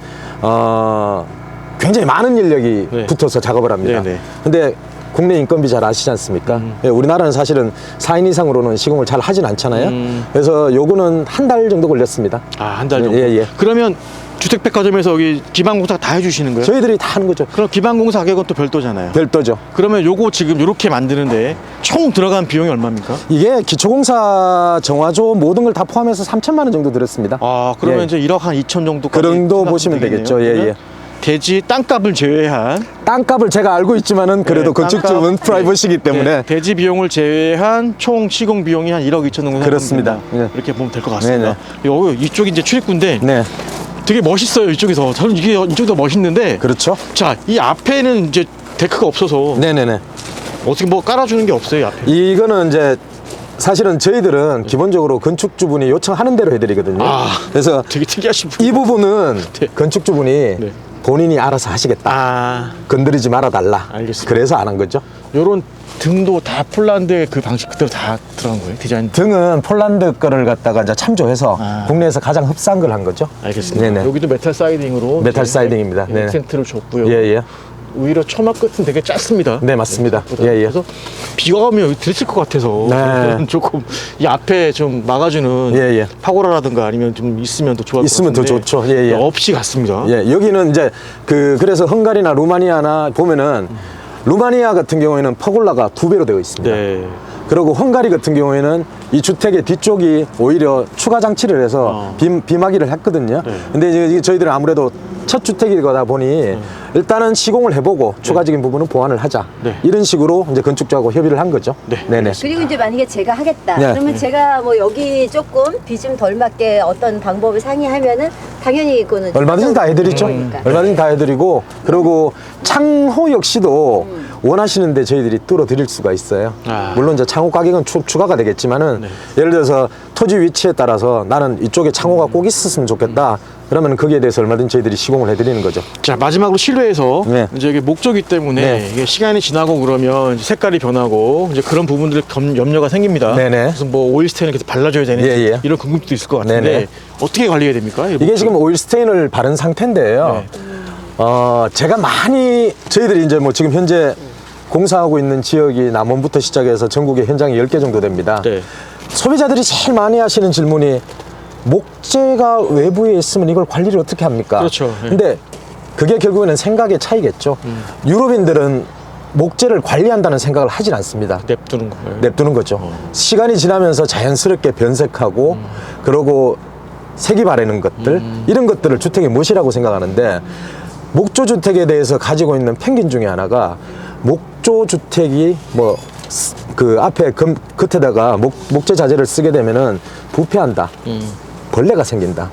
Speaker 1: 어, 굉장히 많은 인력이
Speaker 2: 네.
Speaker 1: 붙어서 작업을 합니다.
Speaker 2: 네네.
Speaker 1: 근데 국내 인건비 잘 아시지 않습니까?
Speaker 2: 음.
Speaker 1: 예, 우리나라는 사실은 사 인 이상으로는 시공을 잘 하진 않잖아요.
Speaker 2: 음.
Speaker 1: 그래서 요거는 한 달 정도 걸렸습니다.
Speaker 2: 아, 한 달 정도?
Speaker 1: 예, 예.
Speaker 2: 그러면 주택백화점에서 여기 기반공사 다 해주시는 거예요?
Speaker 1: 저희들이 다 하는 거죠.
Speaker 2: 그럼 기반공사 가격은 또 별도잖아요.
Speaker 1: 별도죠.
Speaker 2: 그러면 요거 지금 요렇게 만드는데 총 들어간 비용이 얼마입니까?
Speaker 1: 이게 기초공사, 정화조 모든 걸 다 포함해서 삼천만 원 정도 들었습니다.
Speaker 2: 아, 그러면
Speaker 1: 예.
Speaker 2: 이제 일억 한 이천 정도.
Speaker 1: 그 정도 보시면 되겠죠. 예, 예.
Speaker 2: 대지 땅값을 제외한
Speaker 1: 땅값을 제가 알고 있지만은 그래도
Speaker 2: 네,
Speaker 1: 건축주는
Speaker 2: 땅값,
Speaker 1: 프라이버시기 때문에
Speaker 2: 네, 대지 비용을 제외한 총 시공 비용이 한 일억 이천 정도
Speaker 1: 그렇습니다.
Speaker 2: 생각합니다.
Speaker 1: 네.
Speaker 2: 이렇게 보면 될 것 같습니다. 여기 이쪽이 이제 출입구인데
Speaker 1: 네,
Speaker 2: 되게 멋있어요. 이쪽에서 저는 이게 이쪽도 멋있는데.
Speaker 1: 그렇죠.
Speaker 2: 자, 이 앞에는 이제 데크가 없어서
Speaker 1: 네네네.
Speaker 2: 어떻게 뭐 깔아주는 게 없어요, 이 앞에.
Speaker 1: 이거는 이제 사실은 저희들은 기본적으로 건축주분이 요청하는 대로 해드리거든요.
Speaker 2: 아.
Speaker 1: 그래서
Speaker 2: 되게 특이하신 분.
Speaker 1: 이 부분은
Speaker 2: 네.
Speaker 1: 건축주분이
Speaker 2: 네.
Speaker 1: 본인이 알아서 하시겠다.
Speaker 2: 아,
Speaker 1: 건드리지 말아달라.
Speaker 2: 알겠습니다.
Speaker 1: 그래서 안 한 거죠.
Speaker 2: 요런 등도 다 폴란드의 그 방식 그대로 다 들어간 거예요, 디자인.
Speaker 1: 등은 폴란드 거를 갖다가 이제 참조해서
Speaker 2: 아.
Speaker 1: 국내에서 가장 흡사한 걸 한 거죠.
Speaker 2: 알겠습니다.
Speaker 1: 네네.
Speaker 2: 여기도 메탈 사이딩으로
Speaker 1: 메탈
Speaker 2: 이제
Speaker 1: 사이딩입니다.
Speaker 2: 예,
Speaker 1: 네네.
Speaker 2: 액센트를 줬고요.
Speaker 1: 예, 예.
Speaker 2: 오히려 처마 끝은 되게 짧습니다.
Speaker 1: 네, 맞습니다.
Speaker 2: 생각보다.
Speaker 1: 예, 예.
Speaker 2: 그래서 비가 오면 여기 들칠 것 같아서
Speaker 1: 네.
Speaker 2: 저는 조금 이 앞에 좀 막아주는
Speaker 1: 예, 예.
Speaker 2: 파고라라든가 아니면 좀 있으면 더 좋을 것
Speaker 1: 있으면 더
Speaker 2: 같은데
Speaker 1: 좋죠. 예, 예.
Speaker 2: 없이 갔습니다.
Speaker 1: 예, 여기는 이제 그 그래서 헝가리나 루마니아나 보면은 루마니아 같은 경우에는 퍼골라가 두 배로 되어 있습니다.
Speaker 2: 네.
Speaker 1: 그리고 헝가리 같은 경우에는 이 주택의 뒤쪽이 오히려 추가 장치를 해서
Speaker 2: 어.
Speaker 1: 비, 비마기를 했거든요.
Speaker 2: 네.
Speaker 1: 근데 이제 이게 저희들은 아무래도 첫 주택이다 보니 일단은 시공을 해보고 추가적인 부분은 보완을 하자.
Speaker 2: 네.
Speaker 1: 이런 식으로 이제 건축주하고 협의를 한 거죠.
Speaker 2: 네,
Speaker 1: 네네.
Speaker 3: 그리고 이제 만약에 제가 하겠다.
Speaker 1: 네.
Speaker 3: 그러면 제가 뭐 여기 조금 비 좀 덜 맞게 어떤 방법을 상의하면은 당연히 이거는
Speaker 1: 얼마든지 다 해드리죠.
Speaker 3: 거니까.
Speaker 1: 얼마든지 다 해드리고 그리고 창호 역시도 원하시는데 저희들이 뚫어 드릴 수가 있어요.
Speaker 2: 아.
Speaker 1: 물론 이제 창호 가격은 추, 추가가 되겠지만은
Speaker 2: 네.
Speaker 1: 예를 들어서 토지 위치에 따라서 나는 이쪽에 창호가 꼭 있었으면 좋겠다. 그러면 거기에 대해서 얼마든지 저희들이 시공을 해드리는 거죠.
Speaker 2: 자, 마지막으로 실외에서
Speaker 1: 네.
Speaker 2: 이제 이게 목조기 때문에
Speaker 1: 네.
Speaker 2: 이게 시간이 지나고 그러면 이제 색깔이 변하고 이제 그런 부분들 검, 염려가 생깁니다.
Speaker 1: 네네.
Speaker 2: 그래서 뭐 오일 스테인을 계속 발라줘야 되는지
Speaker 1: 예, 예.
Speaker 2: 이런 궁금증도 있을 것 같은데
Speaker 1: 네네.
Speaker 2: 어떻게 관리해야 됩니까? 이
Speaker 1: 이게
Speaker 2: 목조?
Speaker 1: 지금 오일 스테인을 바른 상태인데요.
Speaker 2: 네.
Speaker 1: 어, 제가 많이 저희들이 이제 뭐 지금 현재 공사하고 있는 지역이 남원부터 시작해서 전국에 현장이 열 개 정도 됩니다.
Speaker 2: 네.
Speaker 1: 소비자들이 제일 많이 하시는 질문이 목재가 외부에 있으면 이걸 관리를 어떻게 합니까?
Speaker 2: 그렇죠. 예.
Speaker 1: 근데 그게 결국에는 생각의 차이겠죠.
Speaker 2: 음.
Speaker 1: 유럽인들은 목재를 관리한다는 생각을 하진 않습니다.
Speaker 2: 냅두는 거예요.
Speaker 1: 냅두는 거죠.
Speaker 2: 어.
Speaker 1: 시간이 지나면서 자연스럽게 변색하고
Speaker 2: 음.
Speaker 1: 그러고 색이 바래는 것들
Speaker 2: 음.
Speaker 1: 이런 것들을 주택의 멋이라고 생각하는데 목조 주택에 대해서 가지고 있는 편견 중에 하나가 목조 주택이 뭐 그 앞에 금, 겉에다가 목, 목재 자재를 쓰게 되면은 부패한다.
Speaker 2: 음.
Speaker 1: 벌레가 생긴다.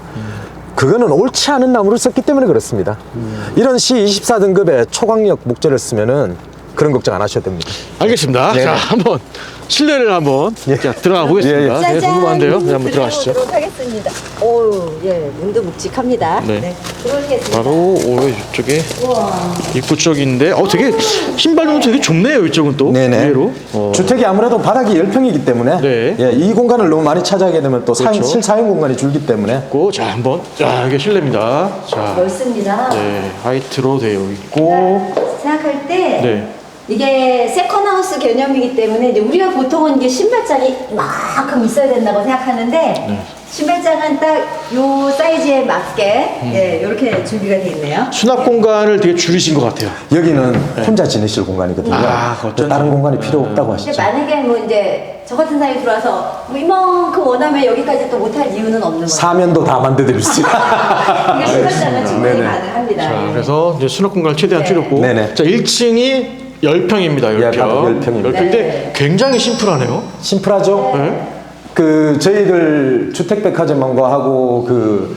Speaker 1: 그거는 옳지 않은 나무를 썼기 때문에 그렇습니다. 이런 씨 이십사 등급의 초강력 목재를 쓰면은 그런 걱정 안 하셔도 됩니다.
Speaker 2: 알겠습니다.
Speaker 1: 네.
Speaker 2: 자, 한번 실내를 한번
Speaker 1: 예.
Speaker 2: 자, 들어가 보겠습니다.
Speaker 1: 예, 예.
Speaker 2: 네, 궁금한데요. 네, 한번 들어가시죠.
Speaker 3: 들어가보도록 하겠습니다. 오, 예, 문도 묵직합니다.
Speaker 2: 네.
Speaker 3: 네. 들어오겠습니다.
Speaker 2: 바로 오, 이쪽에
Speaker 3: 우와.
Speaker 2: 입구 쪽인데, 어, 되게 신발용도 되게 좁네요. 이쪽은 또 의외로. 어.
Speaker 1: 주택이 아무래도 바닥이 열 평이기 때문에
Speaker 2: 네.
Speaker 1: 예, 이 공간을 너무 많이 차지하게 되면 또 사용,
Speaker 2: 그렇죠.
Speaker 1: 실사용 공간이 줄기 때문에
Speaker 2: 있고, 자, 한번 자, 이게 실내입니다. 자,
Speaker 3: 넓습니다.
Speaker 2: 네, 화이트로 되어 있고,
Speaker 3: 생각할 때
Speaker 2: 네.
Speaker 3: 이게 세컨하우스 개념이기 때문에 이제 우리가 보통은 이게 신발장이 이만큼 있어야 된다고 생각하는데
Speaker 2: 네.
Speaker 3: 신발장은 딱 요 사이즈에 맞게
Speaker 2: 음.
Speaker 3: 예, 이렇게 준비가 되어 있네요.
Speaker 2: 수납 공간을 되게 줄이신 것 같아요.
Speaker 1: 여기는 혼자 지내실 공간이거든요.
Speaker 2: 아, 어쩐지.
Speaker 1: 다른 공간이 필요 없다고
Speaker 3: 근데
Speaker 1: 하시죠.
Speaker 3: 만약에 뭐 이제 저 같은 사람이 들어와서 뭐 이만큼 원하면 여기까지 또 못할 이유는 없는 거예요.
Speaker 1: 사면도 다 만들어드릴 수 있어요.
Speaker 3: 이게 신발장은 충분히
Speaker 1: 네네.
Speaker 3: 가능합니다.
Speaker 2: 자,
Speaker 3: 예.
Speaker 2: 그래서 이제 수납 공간을 최대한
Speaker 3: 네.
Speaker 2: 줄였고,
Speaker 1: 네네.
Speaker 2: 자, 일 층이 열 평입니다. 열
Speaker 1: 예,
Speaker 2: 평.
Speaker 1: 바로 열 평입니다.
Speaker 2: 인데
Speaker 3: 네.
Speaker 2: 굉장히 심플하네요.
Speaker 1: 심플하죠?
Speaker 2: 네.
Speaker 1: 그 저희들 주택백화점과 하고 그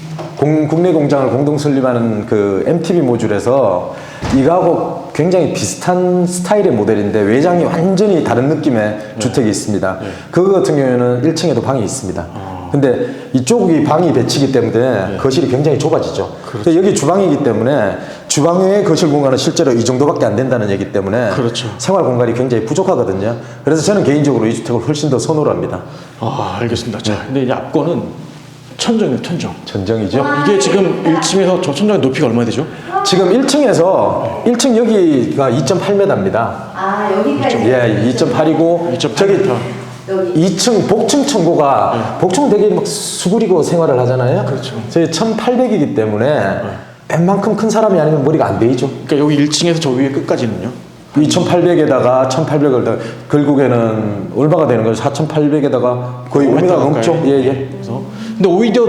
Speaker 1: 공- 국내 공장을 공동 설립하는 그 엠티비 모듈에서 이거하고 굉장히 비슷한 스타일의 모델인데 외장이 완전히 다른 느낌의 주택이 있습니다. 그거 같은 경우에는 일 층에도 방이 있습니다. 근데 이쪽이 방이 배치기 때문에 거실이 굉장히 좁아지죠. 근데 여기 주방이기 때문에 주방 외의 거실 공간은 실제로 이 정도밖에 안 된다는 얘기 때문에
Speaker 2: 그렇죠.
Speaker 1: 생활 공간이 굉장히 부족하거든요. 그래서 저는 개인적으로 이 주택을 훨씬 더 선호를 합니다.
Speaker 2: 아, 알겠습니다. 자, 근데 이제 앞거는 천정이에요, 천정.
Speaker 1: 전정이죠.
Speaker 2: 이게 지금 일 층에서 저 천정의 높이가 얼마 되죠?
Speaker 1: 지금 일 층에서 일 층 여기가 이 점 팔 미터입니다.
Speaker 3: 아 여기까지.
Speaker 1: 예, 이 점 팔이고
Speaker 2: 이 점 팔
Speaker 1: 저기
Speaker 2: 미터.
Speaker 3: 여기.
Speaker 1: 이 층 복층 청구가 복층 되게 막 수그리고 생활을 하잖아요.
Speaker 2: 그렇죠.
Speaker 1: 저희 천팔백이기 때문에 웬만큼 큰 사람이 아니면 머리가 안 베이죠.
Speaker 2: 그러니까 여기 일 층에서 저 위에 끝까지는요?
Speaker 1: 이천팔백에다가 천팔백을 더 결국에는 얼마가 되는 거죠? 사천팔백에다가 거의 오 미터 넘죠. 예, 예.
Speaker 2: 그래서 근데 오히려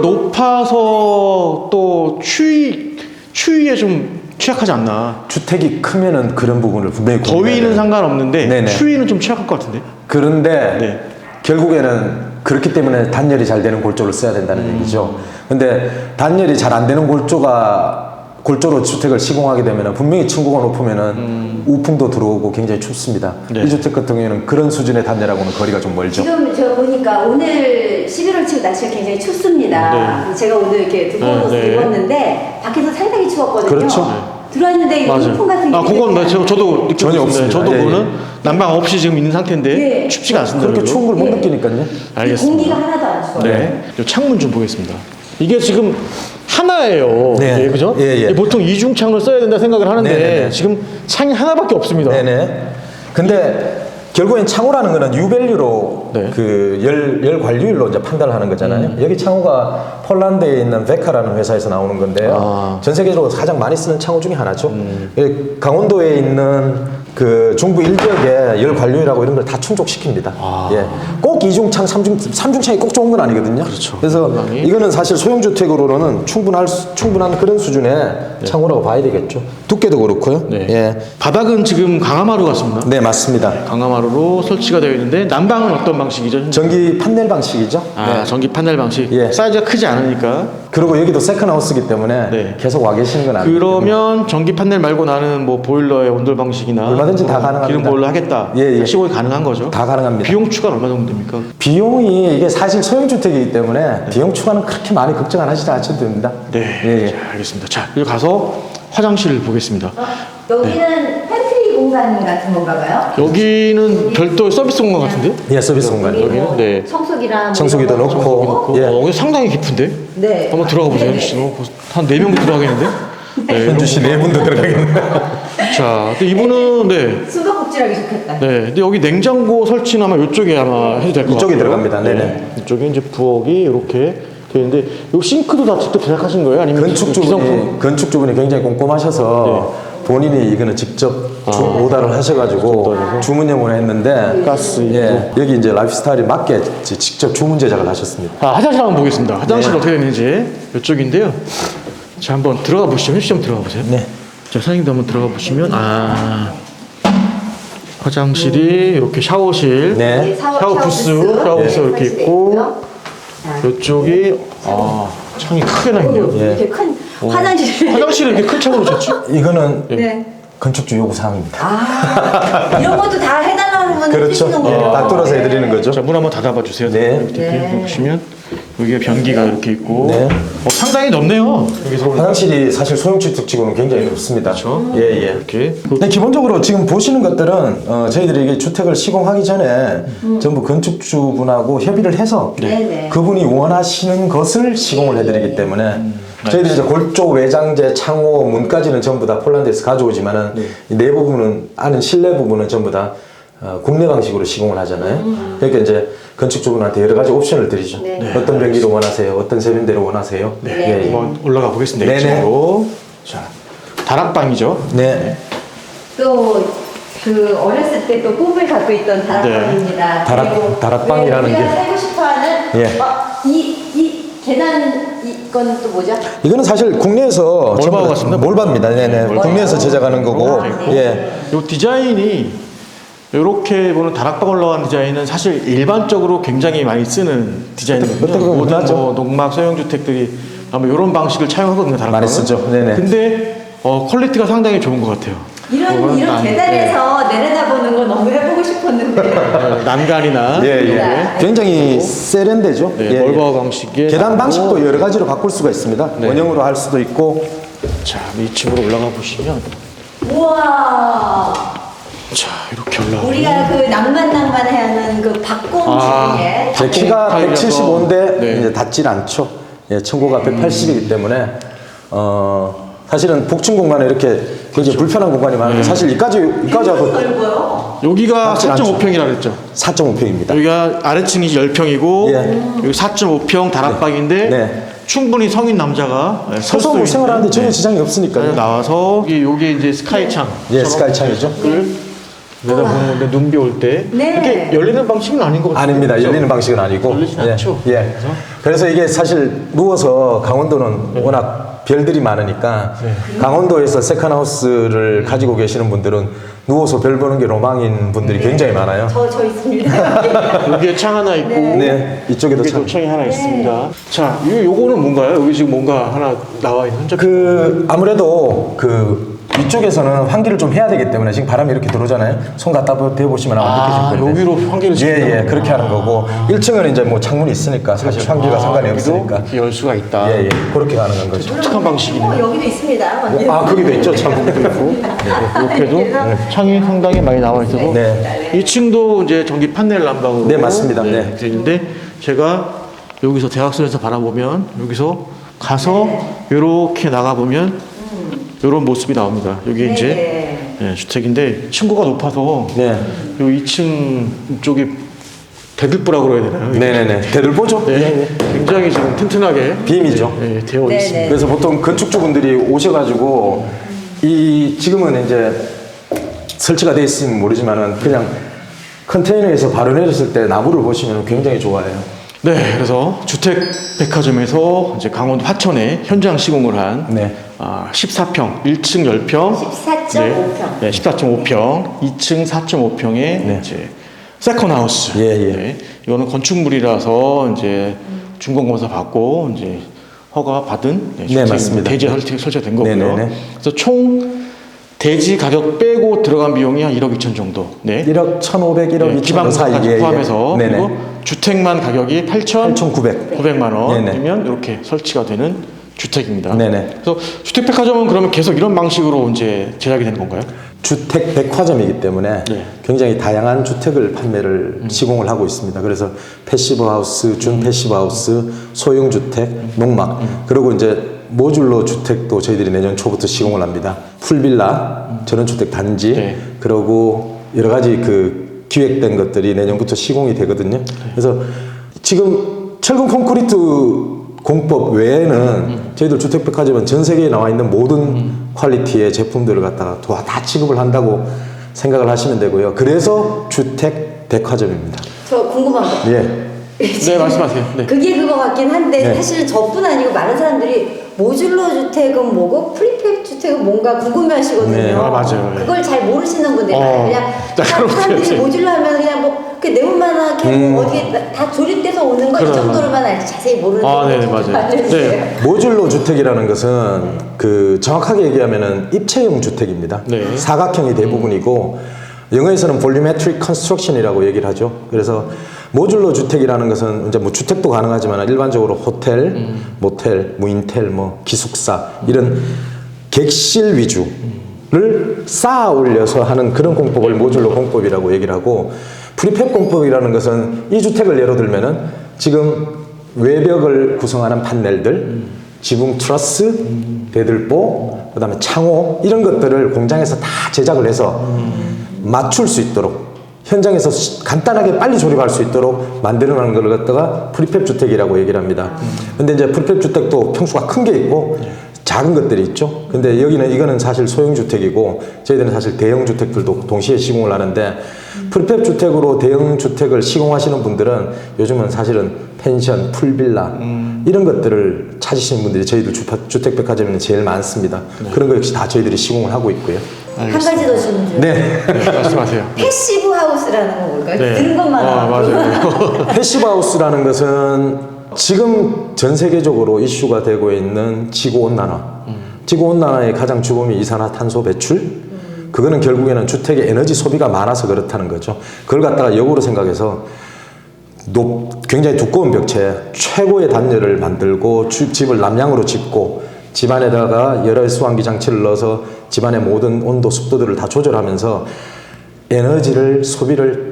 Speaker 2: 높아서 또 추위 추위에 좀 취약하지 않나.
Speaker 1: 주택이 크면은 그런 부분을 분명히 고민해야
Speaker 2: 더위는
Speaker 1: 돼요.
Speaker 2: 상관없는데
Speaker 1: 네네.
Speaker 2: 추위는 좀 취약할 것 같은데.
Speaker 1: 그런데
Speaker 2: 네.
Speaker 1: 결국에는 그렇기 때문에 단열이 잘 되는 골조를 써야 된다는
Speaker 2: 음.
Speaker 1: 얘기죠. 근데 단열이 잘 안 되는 골조가 골조로 주택을 시공하게 되면 분명히 층고가 높으면은
Speaker 2: 음.
Speaker 1: 우풍도 들어오고 굉장히 춥습니다.
Speaker 2: 네.
Speaker 1: 이 주택 같은 경우에는 그런 수준의 단열하고는 거리가 좀 멀죠.
Speaker 3: 지금 제가 보니까 오늘 십일월 치고 날씨가 굉장히 춥습니다. 제가 오늘 이렇게 두꺼운
Speaker 2: 네,
Speaker 3: 옷을
Speaker 2: 네.
Speaker 3: 입었는데 밖에서 상당히 추웠거든요.
Speaker 1: 그렇죠.
Speaker 3: 들어왔는데 이
Speaker 2: 맞아요.
Speaker 3: 우풍 같은 게
Speaker 2: 아, 그건 나 저, 저도 느끼고
Speaker 1: 전혀
Speaker 2: 있습니다.
Speaker 1: 없습니다.
Speaker 2: 저도
Speaker 1: 예,
Speaker 2: 그거는
Speaker 1: 예.
Speaker 2: 난방 없이 지금 있는 상태인데
Speaker 3: 예.
Speaker 2: 춥지가 않습니다.
Speaker 1: 그렇게
Speaker 2: 별로.
Speaker 1: 추운 걸 못
Speaker 3: 예.
Speaker 1: 느끼니까요.
Speaker 2: 알겠습니다.
Speaker 3: 공기가 하나도 안 추워요.
Speaker 2: 네. 이 창문 좀 보겠습니다. 이게 지금 하나예요.
Speaker 1: 네.
Speaker 2: 예, 그죠?
Speaker 1: 예, 예.
Speaker 2: 이게 보통 이중 창을 써야 된다 생각을 하는데
Speaker 1: 네네네.
Speaker 2: 지금 창이 하나밖에 없습니다.
Speaker 1: 네네. 근데 결국엔 창호라는 거는 유밸류로
Speaker 2: 네.
Speaker 1: 그 열, 열 관리율로 이제 판단을 하는 거잖아요. 여기 창호가 폴란드에 있는 베카라는 회사에서 나오는 건데요.
Speaker 2: 아.
Speaker 1: 전 세계적으로 가장 많이 쓰는 창호 중에 하나죠. 예, 강원도에 있는 그 중부 일지역에 열 관리율하고 이런 걸 다 충족시킵니다.
Speaker 2: 아.
Speaker 1: 예. 꼭 이중창, 삼중, 삼중창이 꼭 좋은 건 아니거든요.
Speaker 2: 그렇죠.
Speaker 1: 그래서
Speaker 2: 상당히.
Speaker 1: 이거는 사실 소형주택으로는 충분할, 수- 충분한 그런 수준의 창호라고 봐야 되겠죠. 두께도 그렇고요.
Speaker 2: 네.
Speaker 1: 예.
Speaker 2: 바닥은 지금 강화마루 같습니다.
Speaker 1: 네, 맞습니다.
Speaker 2: 강화마루로 설치가 되어 있는데 난방은 어떤 방식이죠? 현재?
Speaker 1: 전기 판넬 방식이죠.
Speaker 2: 아,
Speaker 1: 네.
Speaker 2: 전기 판넬 방식.
Speaker 1: 예.
Speaker 2: 사이즈가 크지 않으니까.
Speaker 1: 그리고 여기도 세컨하우스이기 때문에
Speaker 2: 네.
Speaker 1: 계속 와 계시는 건 아니에요.
Speaker 2: 그러면 전기 판넬 말고 나는 뭐 보일러의 온돌 방식이나
Speaker 1: 얼마든지 다
Speaker 2: 뭐
Speaker 1: 가능합니다.
Speaker 2: 기름 보일러 하겠다.
Speaker 1: 예, 예.
Speaker 2: 시공이 가능한 거죠.
Speaker 1: 다 가능합니다.
Speaker 2: 비용 추가는 얼마 정도 됩니까?
Speaker 1: 비용이 이게 사실 소형주택이기 때문에 비용 추가는 그렇게 많이 걱정 안 하시지 않으셔도 됩니다.
Speaker 2: 네.
Speaker 1: 예, 예.
Speaker 2: 자, 알겠습니다. 자, 여기 가서 화장실을 보겠습니다.
Speaker 3: 어, 여기는 팬트리 공간 같은 건가 봐요?
Speaker 2: 여기는 별도의 서비스 공간 같은데?
Speaker 1: 예, 서비스 공간이요.
Speaker 2: 여기는?
Speaker 3: 뭐
Speaker 2: 네.
Speaker 3: 청소기랑 뭐
Speaker 1: 청소기도
Speaker 3: 이런 거
Speaker 1: 넣고.
Speaker 3: 넣고.
Speaker 1: 예.
Speaker 2: 어, 여기 상당히 깊은데?
Speaker 3: 네.
Speaker 2: 한번 들어가 보세요.
Speaker 3: 네네.
Speaker 2: 한 네 명도 들어가겠는데? 네,
Speaker 1: 현주 씨 네 분도 들어가겠네요.
Speaker 2: 자, 근데 이분은 네.
Speaker 3: 수도꼭지하기 좋겠다.
Speaker 2: 네, 근데 여기 냉장고 설치는 아마 이쪽에 아마 해도 될 것 같아요.
Speaker 1: 이쪽에 들어갑니다. 네네.
Speaker 2: 이쪽에 이제 부엌이 이렇게 되어 있는데, 이 싱크도 다 직접 제작하신 거예요? 아니면
Speaker 1: 건축주분이
Speaker 2: 기성품?
Speaker 1: 건축주분이 굉장히 꼼꼼하셔서 본인이 이거는 직접 주, 오다를 하셔가지고 주문형으로 했는데
Speaker 2: 가스
Speaker 1: 예, 여기 이제 라이프스타일에 맞게 지- 직접 주문 제작을 하셨습니다.
Speaker 2: 아, 화장실 한번 보겠습니다. 화장실
Speaker 1: 네.
Speaker 2: 어떻게 되는지 이쪽인데요. 자, 한번 들어가 보시죠. 현씨 한번 들어가 보세요.
Speaker 1: 네.
Speaker 2: 자, 사장님도 한번 들어가 보시면 아, 화장실이 이렇게 샤워실,
Speaker 1: 네.
Speaker 2: 샤워 부스, 샤워 부스
Speaker 3: 네,
Speaker 2: 이렇게
Speaker 3: 설치돼
Speaker 2: 있고,
Speaker 3: 있고요.
Speaker 2: 이쪽이 아, 창이 크게 나 있네요.
Speaker 1: 예.
Speaker 3: 이렇게 큰 화장실.
Speaker 2: 화장실을 이렇게 큰 창으로 쳤지?
Speaker 1: 이거는
Speaker 3: 네.
Speaker 1: 건축주 요구 사항입니다.
Speaker 3: 아, 이런 것도 다 해달라는
Speaker 1: 그렇죠.
Speaker 3: 해주시는군요.
Speaker 1: 예, 딱 뚫어서 해드리는 거죠.
Speaker 2: 자, 문 한번 닫아봐 주세요.
Speaker 1: 네.
Speaker 2: 이렇게
Speaker 3: 네.
Speaker 2: 보시면 여기에 변기가 이렇게 있고,
Speaker 1: 네.
Speaker 2: 어, 상당히 넓네요. 여기서
Speaker 1: 화장실이 사실 소형주택치고는 굉장히 넓습니다.
Speaker 2: 그렇죠.
Speaker 1: 예, 예.
Speaker 2: 이렇게.
Speaker 1: 근데 기본적으로 지금 보시는 것들은 어, 저희들이 이게 주택을 시공하기 전에 전부 건축주분하고 협의를 해서
Speaker 3: 네네.
Speaker 1: 그분이 원하시는 것을 시공을 해드리기 때문에 저희들이 이제 골조, 외장재, 창호, 문까지는 전부 다 폴란드에서 가져오지만은 이 내부 부분은 안은 실내 부분은 전부 다 어, 국내 방식으로 시공을 하잖아요. 그러니까 이제 건축주분한테 여러 가지 옵션을 드리죠.
Speaker 3: 네.
Speaker 1: 어떤 변기를 원하세요? 어떤 세면대를 원하세요?
Speaker 3: 네.
Speaker 1: 예, 예.
Speaker 2: 한번 올라가 보겠습니다.
Speaker 1: 네네.
Speaker 2: 이쪽으로. 자, 다락방이죠.
Speaker 1: 네.
Speaker 3: 또 그 어렸을 때 또 꿈을 갖고 있던 다락방입니다.
Speaker 1: 네. 다락-
Speaker 3: 그리고
Speaker 1: 다락방이라는
Speaker 3: 왜 우리가
Speaker 1: 게-
Speaker 3: 살고 싶어하는
Speaker 1: 예.
Speaker 3: 어, 이, 이 계단 이건 또 뭐죠?
Speaker 1: 이거는 사실 국내에서
Speaker 2: 몰바오
Speaker 1: 전부 다
Speaker 2: 같습니다.
Speaker 1: 몰바입니다. 네네.
Speaker 3: 몰바오.
Speaker 1: 국내에서 제작하는 거고,
Speaker 2: 이렇게
Speaker 1: 예.
Speaker 2: 이 디자인이 이렇게 보는 다락방 올라간 디자인은 사실 일반적으로 굉장히 많이 쓰는 디자인이거든요.
Speaker 1: 어떻게 보면
Speaker 2: 모든
Speaker 1: 흔하죠.
Speaker 2: 뭐 농막 소형 주택들이 아마 이런 방식을 차용하거든요. 다락방은.
Speaker 1: 많이 쓰죠. 네네.
Speaker 2: 근데 어, 퀄리티가 상당히 좋은 것 같아요.
Speaker 3: 이런
Speaker 2: 그거는
Speaker 3: 이런
Speaker 2: 난-
Speaker 3: 계단에서 내려다보는 거 너무 해보고 싶었는데.
Speaker 2: 네, 난간이나
Speaker 1: 예, 예.
Speaker 3: 네.
Speaker 1: 굉장히 세련되죠.
Speaker 2: 네,
Speaker 1: 예, 예.
Speaker 2: 멀바오 방식의
Speaker 1: 계단
Speaker 2: 나오고.
Speaker 1: 방식도 여러 가지로 바꿀 수가 있습니다.
Speaker 2: 네.
Speaker 1: 원형으로 할 수도 있고.
Speaker 2: 자, 이 층으로 올라가 보시면
Speaker 3: 우와.
Speaker 2: 자, 이렇게 올라가.
Speaker 3: 우리가 그 낭만 낭만하는 그 박공
Speaker 2: 아,
Speaker 3: 중에
Speaker 1: 제 키가
Speaker 2: 타일이라서.
Speaker 1: 백칠십오인데
Speaker 2: 네.
Speaker 1: 이제 닿질 않죠. 예, 층고가 백팔십이기 때문에 어 사실은 복층 공간에 이렇게 굉장히 불편한 공간이 많은데 사실 이까지 이까지 하고
Speaker 3: 넓어요.
Speaker 2: 여기가
Speaker 1: 닿질 않죠.
Speaker 2: 사점오 평이라 그랬죠.
Speaker 1: 사 점 오 평입니다.
Speaker 2: 여기가 아래층이 십 평이고
Speaker 1: 예.
Speaker 2: 여기 사점오 평 다락방인데
Speaker 1: 네.
Speaker 2: 충분히 성인 남자가 설
Speaker 1: 서서
Speaker 2: 수
Speaker 1: 뭐
Speaker 2: 있는,
Speaker 1: 생활하는데 전혀
Speaker 2: 네.
Speaker 1: 지장이 없으니까요.
Speaker 2: 나와서 여기 요게 이제 스카이창
Speaker 1: 예, 스카이 창이죠.
Speaker 2: 내다보는 건데 눈비 올 때
Speaker 3: 네.
Speaker 2: 이렇게 열리는 방식은 아닌 것 같아요.
Speaker 1: 아닙니다.
Speaker 2: 그렇죠?
Speaker 1: 열리는 방식은 아니고.
Speaker 2: 열리진
Speaker 1: 예,
Speaker 2: 않죠.
Speaker 1: 예.
Speaker 2: 그래서?
Speaker 1: 그래서 이게 사실 누워서 강원도는 워낙 별들이 많으니까
Speaker 2: 네.
Speaker 1: 강원도에서 세컨하우스를 가지고 계시는 분들은 누워서 별 보는 게 로망인 분들이 굉장히 많아요.
Speaker 3: 저 저 있습니다.
Speaker 2: 여기에 창 하나 있고
Speaker 1: 네, 이쪽에도
Speaker 2: 여기도
Speaker 1: 참.
Speaker 2: 창이 하나 있습니다. 자, 이 요거는 뭔가요? 여기 지금 뭔가 하나 나와 있는 흔적.
Speaker 1: 그 아무래도 그 위쪽에서는 환기를 좀 해야 되기 때문에 지금 바람이 이렇게 들어오잖아요. 손 갖다 대보시면 아마
Speaker 2: 아,
Speaker 1: 느끼실 건데.
Speaker 2: 여기로 환기를
Speaker 1: 예,
Speaker 2: 시킨다는
Speaker 1: 예, 그렇게 하는 거고 일 층은 이제 뭐 창문이 있으니까 사실 환기가 상관이
Speaker 2: 아, 여기도
Speaker 1: 없으니까.
Speaker 2: 이렇게 열 수가 있다.
Speaker 1: 예, 예, 그렇게 가능한 거죠.
Speaker 2: 독특한 방식이네요.
Speaker 3: 어, 여기도 있습니다.
Speaker 1: 아, 거기도 있죠, 참.
Speaker 2: 창문도 있고 이렇게도 네, 창이 상당히 많이 나와 있어서
Speaker 1: 네.
Speaker 2: 이 층도 이제 전기 판넬 난방으로
Speaker 1: 네, 맞습니다. 네.
Speaker 2: 되어 있는데 제가 여기서 대학선에서 바라보면 여기서 가서 이렇게 나가 보면 이런 모습이 나옵니다. 여기 이제 네, 주택인데 층고가 높아서
Speaker 1: 네.
Speaker 2: 요 이 층 쪽이 대들보라고 그래야 되나요?
Speaker 1: 네네네. 대를 보죠.
Speaker 2: 네, 굉장히 지금 튼튼하게
Speaker 1: 빔이죠.
Speaker 2: 네, 되어
Speaker 3: 네네.
Speaker 2: 있습니다.
Speaker 1: 그래서 보통 건축주분들이 오셔가지고 이 지금은 이제 설치가 돼 있으면 모르지만은 그냥 컨테이너에서 바로 내렸을 때 나무를 보시면 굉장히 좋아해요.
Speaker 2: 네, 그래서 주택 백화점에서 이제 강원도 화천에 현장 시공을 한
Speaker 1: 네.
Speaker 2: 아, 십사 평, 일 층 십 평,
Speaker 3: 십사 점 오 평.
Speaker 2: 네, 네, 십사 점 오 평, 이 층 사 점 오 평의 이제 세컨 하우스.
Speaker 1: 예, 예.
Speaker 2: 네, 이거는 건축물이라서 이제 준공 검사 받고 이제 허가 받은 네, 주택,
Speaker 1: 맞습니다.
Speaker 2: 대지 설치, 설치가 된 거고요.
Speaker 1: 네네네.
Speaker 2: 그래서 총 대지 가격 빼고 들어간 비용이 한 일억 이천 정도. 네.
Speaker 1: 일억 천오백, 일억
Speaker 2: 네,
Speaker 1: 이천
Speaker 2: 기반부까지
Speaker 1: 사이.
Speaker 2: 포함해서
Speaker 1: 네네.
Speaker 2: 그리고 주택만 가격이 팔천구백
Speaker 1: 팔천구백. 네네.
Speaker 2: 원이면 이렇게 설치가 되는 주택입니다.
Speaker 1: 네네.
Speaker 2: 그래서 주택백화점은 그러면 계속 이런 방식으로 이제 제작이 되는 건가요?
Speaker 1: 주택 백화점이기 때문에
Speaker 2: 네.
Speaker 1: 굉장히 다양한 주택을 판매를 시공을 하고 있습니다. 그래서 패시브 하우스, 준 패시브 하우스, 소형 주택, 농막 그리고 이제 모듈러 주택도 저희들이 내년 초부터 시공을 합니다. 풀빌라, 전원주택 단지,
Speaker 2: 네.
Speaker 1: 그리고 여러 가지 그 기획된 것들이 내년부터 시공이 되거든요. 그래서 지금 철근 콘크리트 공법 외에는 저희들 주택백화점은 전 세계에 나와 있는 모든 퀄리티의 제품들을 갖다가 다, 다 취급을 한다고 생각을 하시면 되고요. 그래서 주택백화점입니다.
Speaker 3: 저 궁금한 거.
Speaker 1: 예.
Speaker 2: 네, 말씀하세요. 네.
Speaker 3: 그게 그거 같긴 한데
Speaker 1: 네.
Speaker 3: 사실은 저뿐 아니고 많은 사람들이 모듈러 주택은 뭐고 프리팹 주택은 뭔가 궁금해하시거든요.
Speaker 1: 네.
Speaker 2: 아, 맞아요. 네.
Speaker 3: 그걸 잘 모르시는 분들
Speaker 2: 어.
Speaker 3: 많아요. 그냥
Speaker 2: 자, 그럼
Speaker 3: 사람들이
Speaker 2: 어떡해.
Speaker 3: 모듈러 하면 그냥 뭐 그 네모만한 캐고
Speaker 1: 음.
Speaker 3: 어디에 다- 다 조립돼서 오는 거 이
Speaker 2: 그럼.
Speaker 3: 정도로만 알지 자세히 모르는
Speaker 2: 아,
Speaker 3: 분들
Speaker 2: 네네,
Speaker 3: 좀
Speaker 2: 맞아요.
Speaker 3: 알려주세요.
Speaker 2: 네.
Speaker 1: 모듈러 주택이라는 것은 그 정확하게 얘기하면은 입체형 주택입니다.
Speaker 2: 네.
Speaker 1: 사각형이 대부분이고 영어에서는 볼리메트릭 컨스트럭션이라고 얘기를 하죠. 그래서 모듈러 주택이라는 것은 이제 뭐 주택도 가능하지만 일반적으로 호텔,
Speaker 2: 음.
Speaker 1: 모텔, 무인텔, 뭐 기숙사 이런 객실 위주를 쌓아 올려서 하는 그런 공법을 모듈러 공법이라고 얘기를 하고 프리팹 공법이라는 것은 이 주택을 예로 들면은 지금 외벽을 구성하는 판넬들, 지붕 트러스, 대들보, 그다음에 창호 이런 것들을 공장에서 다 제작을 해서 맞출 수 있도록 현장에서 시- 간단하게 빨리 조립할 수 있도록 만들어놓은 걸 갖다가 프리팹 주택이라고 얘기를 합니다. 근데 이제 프리팹 주택도 평수가 큰 게 있고 작은 것들이 있죠. 근데 여기는 이거는 사실 소형 주택이고 저희들은 사실 대형 주택들도 동시에 시공을 하는데 프리팹 주택으로 대형 주택을 시공하시는 분들은 요즘은 사실은 펜션, 풀빌라 이런 것들을 찾으시는 분들이 저희들 주- 주택백화점에는 제일 많습니다. 그런 거 역시 다 저희들이 시공을 하고 있고요.
Speaker 3: 한 가지 더 질문 좀.
Speaker 1: 네.
Speaker 2: 네, 말씀하세요.
Speaker 3: 패시브 하우스라는 건 뭘까요?
Speaker 2: 네.
Speaker 3: 들은 것만
Speaker 2: 아,
Speaker 3: 알고.
Speaker 2: 맞아요.
Speaker 1: 패시브 하우스라는 것은 지금 전 세계적으로 이슈가 되고 있는 지구 온난화. 지구 온난화의 가장 주범이 이산화탄소 배출. 그거는 결국에는 주택의 에너지 소비가 많아서 그렇다는 거죠. 그걸 갖다가 역으로 생각해서 높, 굉장히 두꺼운 벽체, 최고의 단열을 만들고 주- 집을 남향으로 짓고 집안에다가 열혈 수환기 장치를 넣어서 집안의 모든 온도, 습도들을 다 조절하면서 에너지를 소비를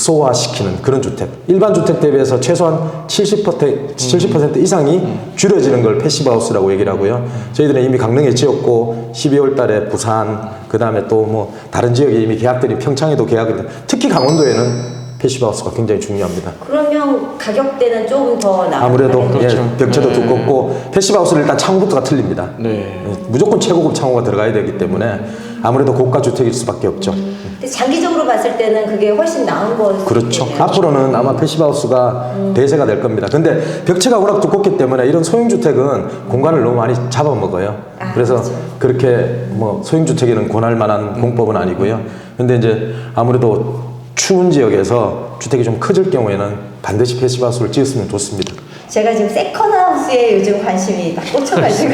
Speaker 1: 극소화시키는 그런 주택. 일반 주택 대비해서 최소한 칠십 퍼센트, 칠십 퍼센트 이상이 줄여지는 걸 패시브 하우스라고 얘기를 하고요. 저희들은 이미 강릉에 지었고 십이월 달에 부산, 그 다음에 또 뭐 다른 지역에 이미 계약들이 평창에도 계약이 돼. 특히 강원도에는 패시브 하우스가 굉장히 중요합니다.
Speaker 3: 그러면 가격대는 조금 더 나아요.
Speaker 1: 아무래도
Speaker 2: 그렇죠.
Speaker 1: 예, 벽체도
Speaker 2: 네.
Speaker 1: 두껍고 패시브 하우스는 일단 창호부터가 틀립니다.
Speaker 2: 네.
Speaker 1: 예, 무조건 최고급 창호가 들어가야 되기 때문에 아무래도 고가 주택일 수밖에 없죠.
Speaker 3: 근데 장기적으로 봤을 때는 그게 훨씬 나은 거.
Speaker 1: 그렇죠. 앞으로는 아마 패시브 하우스가 대세가 될 겁니다. 근데 벽체가 워낙 두껍기 때문에 이런 소형 주택은 공간을 너무 많이 잡아먹어요.
Speaker 3: 아,
Speaker 1: 그래서
Speaker 3: 그렇죠.
Speaker 1: 그렇게 뭐 소형 주택에는 권할 만한 공법은 아니고요. 근데 이제 아무래도 추운 지역에서 주택이 좀 커질 경우에는 반드시 패시브 하우스를 지었으면 좋습니다.
Speaker 3: 제가 지금 세컨하우스에 요즘 관심이 딱 꽂혀가지고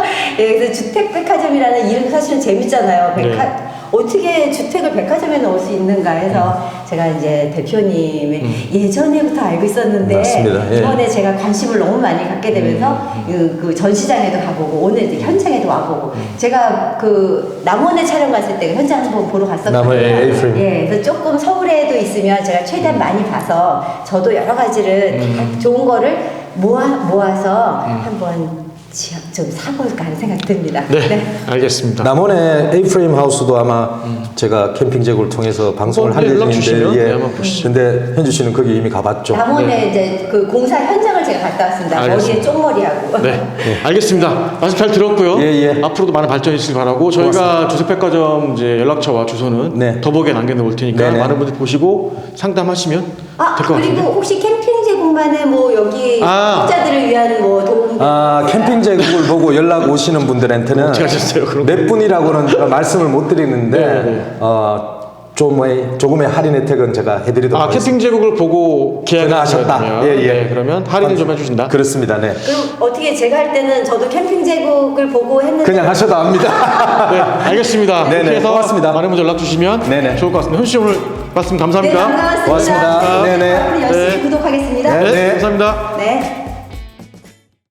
Speaker 3: 예, 그래서 주택백화점이라는 이름 사실은 재밌잖아요. 백화,
Speaker 2: 네.
Speaker 3: 어떻게 주택을 백화점에 넣을 수 있는가 해서 제가 이제 대표님의 예전에부터 알고 있었는데
Speaker 1: 맞습니다. 예.
Speaker 3: 이번에 제가 관심을 너무 많이 갖게 되면서 그, 그 전시장에도 가보고 오늘 이제 현장에도 와보고 제가 그 남원에 촬영 갔을 때 현장 한번 보러 갔었거든요.
Speaker 1: 남원의 에이프림.
Speaker 3: 예, 그래서 조금 서울에도 있으면 제가 최대한 많이 봐서 저도 여러 가지를 다 좋은 거를 모아, 모아서 한번 지- 좀 사볼까 하는 생각이 듭니다.
Speaker 2: 네, 알겠습니다.
Speaker 1: 남원의 에이프레임 하우스도 아마 제가 캠핑 제국을 통해서 방송을
Speaker 2: 어,
Speaker 1: 할
Speaker 2: 네, 연락 주시면
Speaker 1: 예정인데
Speaker 2: 네, 한번 보시죠.
Speaker 1: 근데 현주 씨는 거기 이미 가봤죠.
Speaker 3: 남원에 이제 그 공사 현장을 제가 갔다 왔습니다. 머리에
Speaker 2: 알겠습니다.
Speaker 3: 쪽머리하고.
Speaker 2: 네, 알겠습니다. 말씀 잘 들었고요.
Speaker 1: 예, 예.
Speaker 2: 앞으로도 많은 발전이 있길 바라고 저희가 주택백화점 이제 연락처와 주소는
Speaker 1: 네.
Speaker 2: 더보기에 남겨놓을 테니까
Speaker 1: 네네.
Speaker 2: 많은 분들 보시고 상담하시면
Speaker 3: 아,
Speaker 2: 될 것
Speaker 3: 그리고
Speaker 2: 같은데.
Speaker 3: 혹시 캠핑 제공만의 뭐 여기
Speaker 2: 아.
Speaker 3: 구독자들을 위한 뭐 도움.
Speaker 1: 아, 캠핑 제국을 보고 연락 오시는 분들한테는
Speaker 2: 어떻게 하셨어요, 그럼?
Speaker 1: 몇 분이라고는 제가 말씀을 못 드리는데
Speaker 2: 네, 네.
Speaker 1: 어, 조금의, 조금의 할인 혜택은 제가 해드리도록
Speaker 2: 아,
Speaker 1: 하겠습니다.
Speaker 2: 캠핑 제국을 보고 계약을
Speaker 1: 전화하셨다.
Speaker 2: 하셨다면
Speaker 1: 예, 예.
Speaker 2: 네, 그러면 할인을 좀 해주신다.
Speaker 1: 그렇습니다. 네.
Speaker 3: 그럼 어떻게 제가 할 때는 저도 캠핑 제국을 보고 했는데
Speaker 1: 그냥 하셔도 합니다.
Speaker 2: 네, 알겠습니다.
Speaker 1: 네네,
Speaker 2: 이렇게 해서
Speaker 1: 고맙습니다.
Speaker 2: 많은 분들 연락 주시면
Speaker 1: 네네.
Speaker 2: 좋을 것 같습니다. 현수 씨 오늘 말씀
Speaker 3: 네,
Speaker 2: 감사합니다.
Speaker 3: 반갑습니다.
Speaker 1: 고맙습니다. 네네.
Speaker 3: 앞으로 열심히
Speaker 2: 네.
Speaker 3: 구독하겠습니다.
Speaker 2: 네,
Speaker 1: 네.
Speaker 2: 감사합니다.
Speaker 3: 네.